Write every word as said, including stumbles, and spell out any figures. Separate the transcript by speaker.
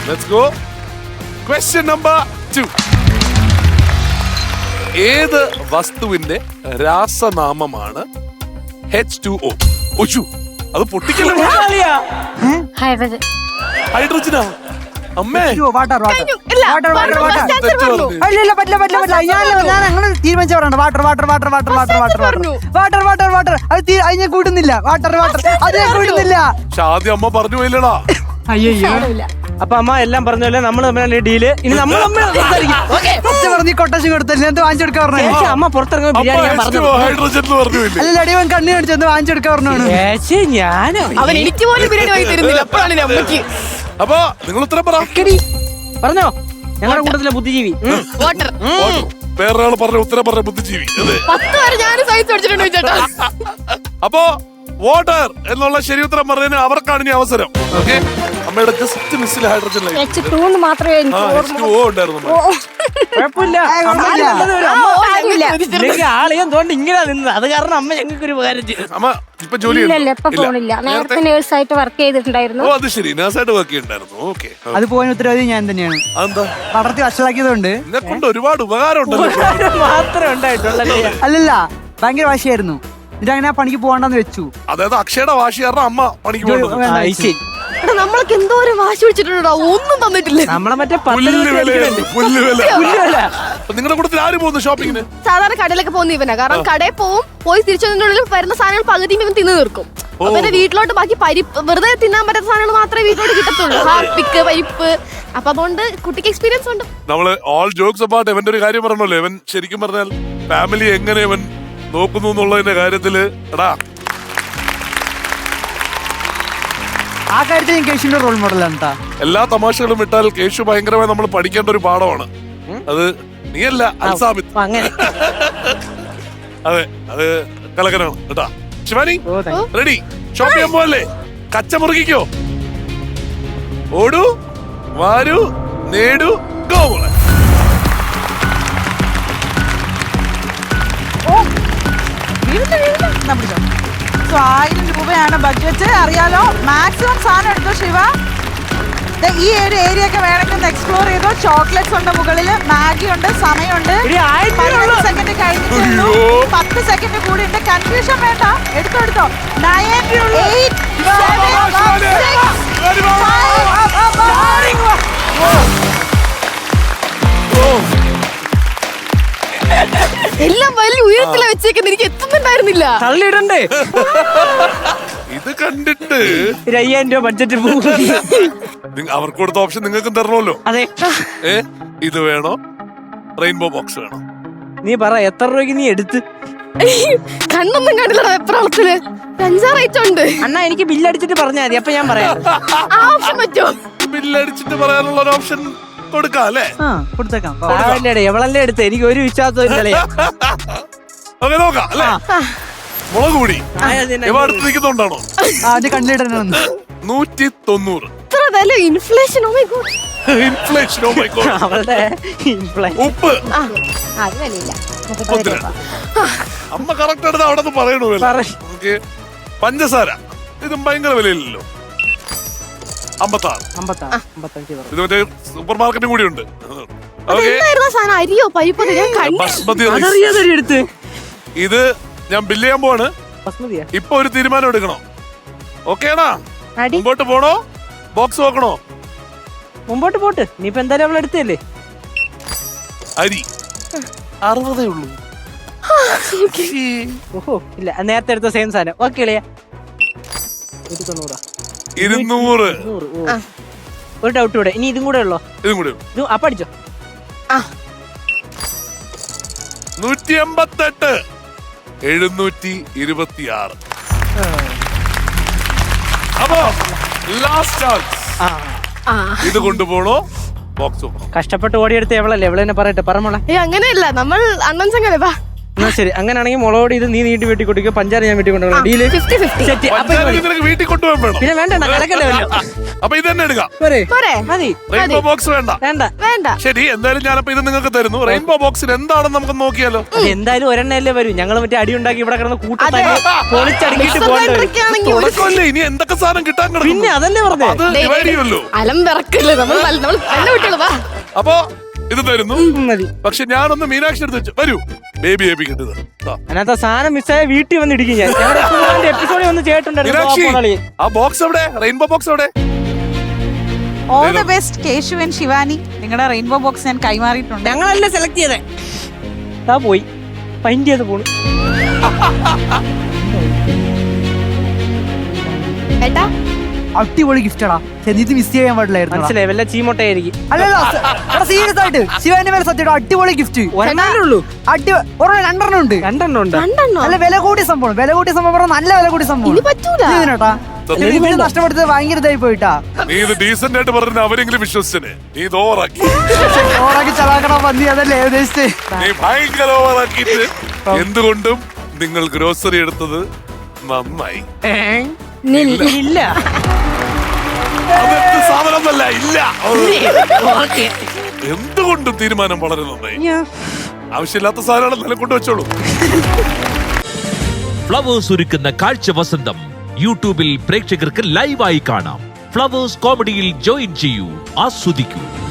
Speaker 1: Let's go. Question number two. ഏത് വസ്തുവിന്റെ രാസനാമമാണ് എച്ച് ടു ഒ? ഒച്ചു അത് പൊട്ടിക്കല്ലോ.
Speaker 2: ഹൈഡ്രജൻ.
Speaker 1: ഹൈഡ്രജനാ അമ്മേ.
Speaker 3: വാട്ടർ വാട്ടർ
Speaker 2: ഇല്ല,
Speaker 3: water water
Speaker 2: first
Speaker 3: water
Speaker 2: answer പറഞ്ഞു.
Speaker 3: അല്ലല്ല പറ്റില്ല പറ്റില്ല പറ്റില്ല ഞാൻ ഞാൻ അങ്ങനെ തീരുമാനിച്ച പറയണ്ട. Water water water water water water
Speaker 2: പറഞ്ഞു.
Speaker 3: വാട്ടർ വാട്ടർ വാട്ടർ അത് തീ- അത് ഞാൻ കൂട്ടുന്നില്ല. വാട്ടർ വാട്ടർ അത് ഞാൻ കൂട്ടുന്നില്ല.
Speaker 1: പക്ഷെ ആദ്യം അമ്മ പറഞ്ഞു പോയില്ലടാ.
Speaker 3: അയ്യോ
Speaker 2: സാരമില്ല.
Speaker 4: അപ്പൊ അമ്മ എല്ലാം പറഞ്ഞല്ലേ, നമ്മൾ തമ്മിലുള്ള ഡീല്. ഇനി നമ്മൾ തമ്മിൽ സംസാരിക്കും.
Speaker 3: ഫസ്റ്റ് പറഞ്ഞ് കൊട്ടേഷൻ കൊടുത്തല്ലേ എന്ത് വാങ്ങിച്ചെടുക്കാൻ പറഞ്ഞു.
Speaker 4: ചേച്ചി, അമ്മ പുറത്തിറങ്ങുമ്പോ
Speaker 1: അമ്മ
Speaker 4: ബിരിയാണി ഞാൻ
Speaker 1: എച്ച്
Speaker 4: പറഞ്ഞു.
Speaker 1: ടു ഒ ഹൈഡ്രജൻ എന്ന് പറഞ്ഞു പോയില്ലേ?
Speaker 3: അല്ലല്ല അടിയവൻ കണ്ണി കാണിച്ചു എന്ത് വാങ്ങിച്ചെടുക്കാൻ പറഞ്ഞു.
Speaker 4: ചേച്ചി ഞാനോ
Speaker 2: അവൻ എനിക്ക് പോലും ബിരിയാണി വാങ്ങി തരുന്നില്ല. അപ്പോഴാണ് എന്റെ അമ്മയ്ക്ക്
Speaker 1: അപ്പൊ നിങ്ങൾ ഉത്തരം പറ.
Speaker 4: പറഞ്ഞോ, ഞങ്ങളുടെ കൂട്ടത്തിലെ ബുദ്ധിജീവി. ഉം.
Speaker 2: വാട്ടർ.
Speaker 1: വേറൊരാൾ പറഞ്ഞ ഉത്തരം പറഞ്ഞ ബുദ്ധിജീവി. അതെ.
Speaker 2: പത്ത് വരെ ഞാൻ സയൻസ് പഠിച്ചിട്ടുണ്ട് ചേട്ടാ.
Speaker 1: അപ്പോ വാട്ടർ എന്നുള്ള ശരി ഉത്തരം പറഞ്ഞതിന് അവർക്കാണ് ഇനി അവസരം. ഓക്കെ, അമ്മയുടെ ജസ്റ്റ് മിസ്സിൽ ഹൈഡ്രജൻ ലൈൻ.
Speaker 2: എച്ച് ടു എന്ന് മാത്രമേ എനിക്ക്
Speaker 1: ആ എച്ച് ടു ഒ ഉണ്ടായിരുന്നു അമ്മ.
Speaker 4: കുഴപ്പമില്ല.
Speaker 3: ഏയ്,
Speaker 4: അമ്മ
Speaker 3: കുഴപ്പമില്ല.
Speaker 4: നല്ലത് വരും.
Speaker 2: ആ,
Speaker 4: അമ്മ
Speaker 2: ഓ, കാര്യമില്ല.
Speaker 4: ഇല്ലെങ്കിൽ ആളെയും തോണ്ട് ഇങ്ങനെ നിന്നത്. അത് കാരണം അമ്മ ഞങ്ങൾക്ക് ഒരു ഉപകാരം ചെയ്തു.
Speaker 1: അമ്മ ഇപ്പൊ ജോലി
Speaker 2: ഇല്ല ഇല്ല
Speaker 1: ചെയ്യുന്നുണ്ടോ?
Speaker 2: ഇപ്പൊ പോണില്ല.
Speaker 1: ഇല്ല.
Speaker 2: നേരത്തെ നേഴ്സായിട്ട് വർക്ക് ചെയ്തിട്ടുണ്ടായിരുന്നു.
Speaker 1: ഓ അത് ശരി, നേഴ്സായിട്ട് വർക്ക് ചെയ്യുന്നുണ്ടായിരുന്നു. ഓക്കെ,
Speaker 3: അത് പോകാൻ ഉത്തരവാദി ഞാൻ തന്നെയാണ്.
Speaker 1: അതെന്താ?
Speaker 3: പടർത്തി വഷളാക്കിയതുകൊണ്ട്.
Speaker 1: എന്നെ കൊണ്ട് ഒരുപാട് ഉപകാരം ഉണ്ടല്ലോ.
Speaker 4: മാത്രമേ ഉണ്ടായിട്ടുള്ളൂ.
Speaker 3: അല്ലല്ല ഭയങ്കര വാശിയായിരുന്നു. എന്നിട്ട് അങ്ങനെ ആ പണിക്ക് പോകണ്ടെന്ന് വെച്ചു.
Speaker 1: അതായത് അക്ഷയുടെ വാശി കാരണം അമ്മ പണിക്ക് പോകുന്നത്.
Speaker 3: വേണ്ട,
Speaker 4: ആ, ശരി.
Speaker 2: എടാ, നമ്മളൊക്കെ എന്തോരം വാശി പിടിച്ചിട്ടുണ്ടോ, ഒന്നും തന്നിട്ടില്ല.
Speaker 4: നമ്മളെ മറ്റേ
Speaker 1: പുല്ല് വിലയാണ്, പുല്ല് വില.
Speaker 4: പുല്ലുവില.
Speaker 1: അപ്പൊ നിങ്ങളുടെ കൂട്ടത്തിൽ ആര് പോകുന്നു ഷോപ്പിങ്ങിന്?
Speaker 2: സാധാരണ കടയിലൊക്കെ പോകുന്ന ഇവനാ. കാരണം കടയിൽ പോവും, പോയി തിരിച്ചതിനുള്ളിൽ വരുന്ന സാധനങ്ങൾ പകുതിയും ഇവൻ തിന്നു തീർക്കും. അപ്പൊ എന്റെ വീട്ടിലോട്ട് ബാക്കി പരിപ്പ് വെറുതെ തിന്നാൻ പറ്റാത്ത സാധനങ്ങൾ മാത്രമേ വീട്ടിലോട്ട് കിട്ടത്തുള്ളൂ. ഹാപ്പിക്ക് പരിപ്പ്. അപ്പൊ അതുകൊണ്ട് കുട്ടിക്ക് എക്സ്പീരിയൻസ് ഉണ്ട്.
Speaker 1: നമ്മള് ഓൾ ജോക്സ് അബൌട്ട് ഇവന്റെ ഒരു കാര്യം പറഞ്ഞല്ലോ. ഇവൻ ശരിക്കും പറഞ്ഞാൽ ഫാമിലി എങ്ങനെ ഇവൻ നോക്കുന്നു എന്നുള്ളതിന്റെ കാര്യത്തില് എടാ
Speaker 3: ആ കാര്യത്തിൽ ഞാൻ കേശുവിന്റെ റോൾ മോഡലാണ് കേട്ടാ.
Speaker 1: എല്ലാ തമാശകളും വിട്ടാൽ കേശു ഭയങ്കരമായി നമ്മൾ പഠിക്കേണ്ട ഒരു പാഠമാണ് അത്. നീയല്ല അൽസാബിത്ത്.
Speaker 4: അപ്പൊ അങ്ങനെ
Speaker 1: അതെ, അത് കലകനാണ് കേട്ടാ. ശിവാനി
Speaker 4: ഓ, thank you.
Speaker 1: റെഡി? ഷോപ്പ് ചെയ്യാൻ പോവല്ലേ? കച്ച മുറുകിക്കോ. ഓടൂ വാരൂ നേടൂ ഗോ മോളെ.
Speaker 5: സോ ആയിരം രൂപയാണ് ബഡ്ജറ്റ്. അറിയാലോ, മാക്സിമം സാധനം എടുത്തോ ശിവ. ദേ ഈ ഒരു ഏരിയ ഒക്കെ വേണമെങ്കിൽ ഒന്ന് എക്സ്പ്ലോർ ചെയ്തോ. ചോക്ലേറ്റ്സ് ഉണ്ട് മുകളിൽ, മാഗി ഉണ്ട്, സമയമുണ്ട്.
Speaker 4: എടി, ആയിരം രൂപയേ
Speaker 5: പതിനഞ്ച്
Speaker 4: ഉള്ളൂ.
Speaker 5: സെക്കൻഡ് കഴിഞ്ഞിട്ടുള്ളൂ.
Speaker 1: അയ്യോ.
Speaker 5: പത്ത് സെക്കൻഡ് കൂടി ഉണ്ട്. കൺഫ്യൂഷൻ വേണ്ട, എടുത്തോ എടുത്തോ. നയൻ എയ്റ്റ്
Speaker 2: എല്ലാം വലിയ ഉയരത്തിലാ വെച്ചേക്കുന്നത്. എനിക്ക് എത്തുന്നുണ്ടായിരുന്നില്ല.
Speaker 4: തള്ളിയിടണ്ടേ?
Speaker 1: ഇത് കണ്ടിട്ട്
Speaker 4: ഒരു അയ്യായിരം രൂപ ബഡ്ജറ്റ് പോകും.
Speaker 1: നിങ്ങ- അവർക്ക് കൊടുത്ത ഓപ്ഷൻ നിങ്ങൾക്കും തരണമല്ലോ.
Speaker 4: അതെ,
Speaker 1: ഏ ഇത് വേണോ റെയിൻബോ ബോക്സ് വേണോ?
Speaker 4: നീ പറ എത്ര രൂപയ്ക്ക് നീ എടുത്ത്.
Speaker 2: കണ്ണൊന്നും കണ്ടില്ലടാ വെപ്രാളത്തില്. അഞ്ചാറ് ഐറ്റം ഉണ്ട്.
Speaker 4: അണ്ണാ എനിക്ക് ബില്ലടിച്ചിട്ട് പറഞ്ഞാൽ മതി, അപ്പൊ ഞാൻ പറയാം.
Speaker 2: ആ ഓപ്ഷൻ പറ്റുമോ?
Speaker 1: ബില്ലടിച്ചിട്ട് പറയാനുള്ള ഒരു ഓപ്ഷൻ കൊടുക്കാം അല്ലേ?
Speaker 3: ആ കൊടുത്തേക്കാം.
Speaker 4: ആവല്ലേടെ എവളല്ലേ എടുത്ത്, എനിക്ക് ഒരു വിശ്വാസവും ഇല്ലല്ലേ.
Speaker 1: ഓക്കെ നോക്കാം അല്ലേ? മുളക് കൂടി
Speaker 4: ആ, അതിനെ-
Speaker 1: ഇവ അടുത്ത് നിൽക്കുന്നുണ്ടാണോ?
Speaker 3: ആ അത് കണ്ടിടണം ഒന്ന്.
Speaker 1: നൂറ്റി തൊണ്ണൂറ്
Speaker 2: ഇത്ര വില inflation. Oh my God.
Speaker 1: Inflation. Oh my God.
Speaker 4: അവളുടെ ഇംപ്ലൈ-
Speaker 1: ഉപ്പ്
Speaker 2: ആ അത് വിലയില്ല.
Speaker 1: മുപ്പത്തിരണ്ട്. അമ്മ കറക്റ്റ് എടുത്ത് അവിടെ നിന്ന് പറയണു വില.
Speaker 4: പറയ്.
Speaker 1: ഓക്കെ, പഞ്ചസാര ഇതും ഭയങ്കര വിലയില്ലല്ലോ. അമ്പത്താറ്.
Speaker 4: അമ്പത്താറ്, അമ്പത്തഞ്ച് പറഞ്ഞു.
Speaker 1: ഇത് മറ്റേ സൂപ്പർ മാർക്കറ്റും കൂടി ഉണ്ട്. ഓക്കെ,
Speaker 2: എന്തായിരുന്നു ആ സാധനം? അരിയോ പരിപ്പോ? ഞാൻ കണ്ടു.
Speaker 1: ബസ്മതി റൈസ്.
Speaker 4: അതറിയാതെ ഒരു എടുത്ത്.
Speaker 1: ഇത് ഞാൻ ബില്ല് ചെയ്യാൻ പോവാണ്.
Speaker 4: ബസ്മതിയാ?
Speaker 1: ഇപ്പൊ ഒരു തീരുമാനം എടുക്കണം. ഓക്കേണാ?
Speaker 4: അടി
Speaker 1: മുമ്പോട്ട് പോണോ ബോക്സ് നോക്കണോ?
Speaker 4: മുമ്പോട്ട് പോട്ട്. നീ ഇപ്പൊ എന്തായാലും അവളെ എടുത്തല്ലേ.
Speaker 1: അരി അറുപതേ ഉള്ളൂ.
Speaker 4: ഓഹോ, ഇല്ല നേരത്തെ എടുത്ത സെയിം സാധനം. ഓക്കെ ഇളയാ, ഒരു തൊണ്ണൂറാ.
Speaker 1: ഇരുന്നൂറ്.
Speaker 4: നൂറ്. ഓ, ഒരു ഡൗട്ട് കൂടെ. ഇനി ഇതും കൂടെ ഉള്ളോ?
Speaker 1: ഇതും കൂടി
Speaker 4: ഇത് അപ്പൊ അടിച്ചോ.
Speaker 1: നൂറ്റി എൺപത്തെട്ട്. എഴുന്നൂറ്റി ഇരുപത്തി ആറ്. അപ്പോ ലാസ്റ്റ് ചാൻസ്.
Speaker 4: ആ,
Speaker 2: ആ
Speaker 1: ഇത് കൊണ്ടുപോണോ ബോക്സ് നോക്കണോ?
Speaker 4: കഷ്ടപ്പെട്ട് ഓടിയെടുത്ത് എവളല്ലേ, എവളെന്നെ പറയട്ടെ. പറമോളെ.
Speaker 2: ഏ അങ്ങനെയല്ല, നമ്മൾ അണ്ണൻ ചങ്ങല വാ.
Speaker 4: എന്നാ ശരി, അങ്ങനെയാണെങ്കിൽ മുളകോടി ഇത് നീ നീട്ടി വെട്ടി കൊടുക്കുക, പഞ്ചാര ഞാൻ വെട്ടി കൊണ്ടുപോകണം. Deal
Speaker 2: fifty fifty.
Speaker 4: സെറ്റ്. അപ്പൊ
Speaker 1: പഞ്ചാര നിനക്ക് വീട്ടിൽ കൊണ്ടുപോകാൻ വേണം.
Speaker 4: പിന്നെ വേണ്ട, കിടക്കണ്ടല്ലോ.
Speaker 1: അപ്പൊ ഇത് തന്നെ എടുക്കാം.
Speaker 4: പോരെ?
Speaker 2: പോരെ
Speaker 4: മതി.
Speaker 1: റെയിൻബോ ബോക്സ് വേണ്ട.
Speaker 4: വേണ്ട.
Speaker 2: വേണ്ട.
Speaker 1: ശരി, എന്തായാലും ഞാനപ്പോ ഇത് നിങ്ങൾക്ക് തരുന്നു. റെയിൻബോ ബോക്സിൽ എന്താണെന്ന് നമുക്ക് നോക്കിയാലോ?
Speaker 4: അത് എന്തായാലും ഒരെണ്ണല്ലേ വരും. ഞങ്ങൾ മറ്റേ അടി ഉണ്ടാക്കി ഇവിടെ കിടന്ന്
Speaker 2: അതെ.
Speaker 4: കൂട്ടത്തന്നെ പൊളിച്ചടങ്ങിട്ട് പോകേണ്ടി വരും.
Speaker 2: ഇതൊക്കെയാണെങ്കിൽ ഒരു
Speaker 1: തുടക്കമല്ലേ, ഇനി എന്തൊക്കെ സാധനം കിട്ടാൻ
Speaker 4: പിന്നെ
Speaker 1: കിടക്കുന്നു
Speaker 4: അതല്ലേ പറഞ്ഞേ.
Speaker 1: അത് ഡിവൈഡ് ചെയ്യുമല്ലോ.
Speaker 2: അലം വിറക്കല്ലേ നമ്മൾ നല്ല- നമ്മൾ നല്ല കുട്ടികൾ വാ.
Speaker 1: അപ്പൊ ഇത് തരുന്നു.
Speaker 4: മതി.
Speaker 1: പക്ഷെ ഞാനൊന്ന് മീനാക്ഷി എടുത്ത് വെച്ചു. വരൂ ബേബി ബേബി കിട്ടുന്നത്.
Speaker 4: അതിനകത്ത് സാധനം മിസ്സായ വീട്ടിൽ വന്ന് ഇടിക്കും ഞാൻ. എപ്പിസോഡിൽ വന്ന്
Speaker 1: മീനാക്ഷി
Speaker 4: ചേട്ടുണ്ടായിരുന്നു.
Speaker 1: ആ ബോക്സ് എവിടെ? റെയിൻബോ ബോക്സ് എവിടെ?
Speaker 5: All the best Keshu and Shivani. നിങ്ങളുടെ റെയിൻബോ ബോക്സ് ഞാൻ കൈമാറിയിട്ടുണ്ട്.
Speaker 4: ഞങ്ങളല്ലേ സെലക്ട് ചെയ്തേ. ഇതാ പോയി പൈൻറ്റ് ചെയ്ത് പോണു.
Speaker 2: ഏട്ടാ
Speaker 3: അടിപൊളി ഗിഫ്റ്റടാ. ഇത് മിസ് ചെയ്യാൻ പാടില്ലായിരുന്നു.
Speaker 4: മനസ്സിലായി, വല്ല ചീമൊട്ടയായിരിക്കും.
Speaker 3: അല്ലല്ലോ സീരിയസ് ആയിട്ട് ശിവാന്റെ മേലെ സത്യം അടിപൊളി ഗിഫ്റ്റ്.
Speaker 4: ഒരെണ്ണല്ലേ ഉള്ളൂ.
Speaker 3: അടി ഒരെണ്ണം രണ്ടെണ്ണം ഉണ്ട്.
Speaker 4: രണ്ടെണ്ണം ഉണ്ട്.
Speaker 2: രണ്ടെണ്ണോ?
Speaker 3: നല്ല വില കൂടിയ സംഭവം. വില കൂടിയ സംഭവം പറഞ്ഞാൽ നല്ല വില കൂടിയ സംഭവം.
Speaker 2: ഇനി പറ്റൂല.
Speaker 3: ഇതിനേട്ടാ ഇതിന് നഷ്ടപ്പെടുത്തത് ഭയങ്കര ഇതായി പോയിട്ടാ.
Speaker 1: നീ ഇത് ഡീസന്റ് ആയിട്ട് പറഞ്ഞ അവരെങ്കിലും വിശ്വസിച്ചനെ. നീ ഇത് ഓവറാക്കി.
Speaker 3: ഓറാക്കി ചലാക്കണ പന്നി അതല്ലേ ഉദ്ദേശിച്ചത്.
Speaker 1: നീ ഭയങ്കര ഓവറാക്കിയിട്ട് എന്തുകൊണ്ടും നിങ്ങൾ ഗ്രോസറി എടുത്തത് നന്നായി.
Speaker 4: ഇല്ല.
Speaker 1: അതെന്ത് സാധനമല്ല. ഇല്ല, എന്തുകൊണ്ടും തീരുമാനം വളരെ നന്നായി. ആവശ്യമില്ലാത്ത സാധനങ്ങൾ നില കൊണ്ടുവച്ചോളൂ.
Speaker 6: ഫ്ലവേഴ്സ് ഒരുക്കുന്ന കാഴ്ച വസന്തം യൂട്യൂബിൽ പ്രേക്ഷകർക്ക് ലൈവായി കാണാം. ഫ്ലവേഴ്സ് കോമഡിയിൽ ജോയിൻ ചെയ്യൂ, ആസ്വദിക്കൂ.